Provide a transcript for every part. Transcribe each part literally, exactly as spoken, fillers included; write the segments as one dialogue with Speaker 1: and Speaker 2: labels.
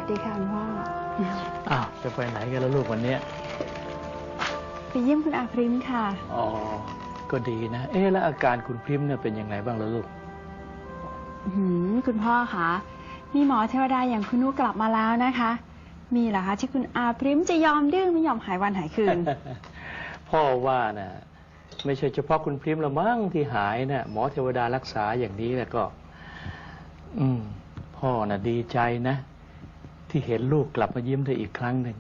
Speaker 1: สดีค่ะคุณพ่อ
Speaker 2: อ้าวจะไปไหนกันแล้วลูกวันนี้
Speaker 1: ไปเยี่ยมคุณอาพริมค่ะ
Speaker 2: อ๋อก็ดีนะเอ๊ะแล้วอาการคุณพริมเนี่ยเป็นยังไงบ้างล่ะลูก
Speaker 1: หืมคุณพ่อคะมีหมอเทวดาอย่างคุณนุกลับมาแล้วนะคะ มีเหรอคะที่คุณอาพริมจะยอมดื้อไม่ยอมหายวันหายคืน
Speaker 2: พ่อว่านะไม่ใช่เฉพาะคุณพริมละมั้งที่หายนะหมอเทวดารักษาอย่างนี้แล้วก็ อืมพ่อน่ะดีใจนะที่เห็นลูกกลับมายิ้มได้อีกครั้งหนึ่ง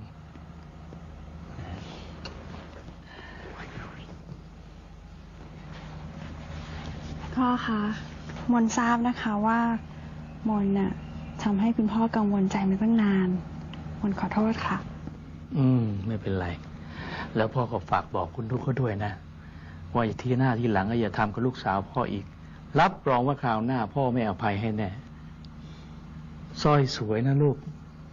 Speaker 1: พ่อคะมนทราบนะคะว่ามนน่ะทำให้คุณพ่อกังวลใจมาตั้งนานมนขอโทษค่ะ
Speaker 2: อืมไม่เป็นไรแล้วพ่อก็ฝากบอกคุณทุกเขาด้วยนะว่าอย่าที่หน้าที่หลังอย่าทำกับลูกสาวพ่ออีกรับรองว่าคราวหน้าพ่อไม่อภัยให้แน่สร้อยสวยนะลูก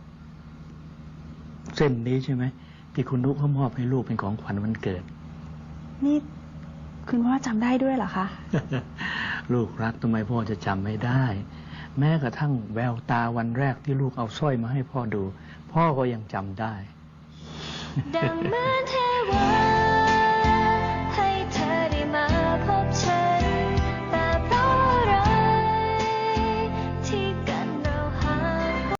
Speaker 2: เส้นนี้ใช่ไหมที่คุณนุ๊กเขามอบให้ลูกเป็นของขวัญวันเกิด
Speaker 1: นี่คุณพ่อจำได้ด้วยเหรอคะ
Speaker 2: ลูกรักทำไมพ่อจะจำไม่ได้แม้กระทั่งแววตาวันแรกที่ลูกเอาสร้อยมาให้พ่อดูพ่อก็ยังจำได้
Speaker 3: ดังเหมือนเทวา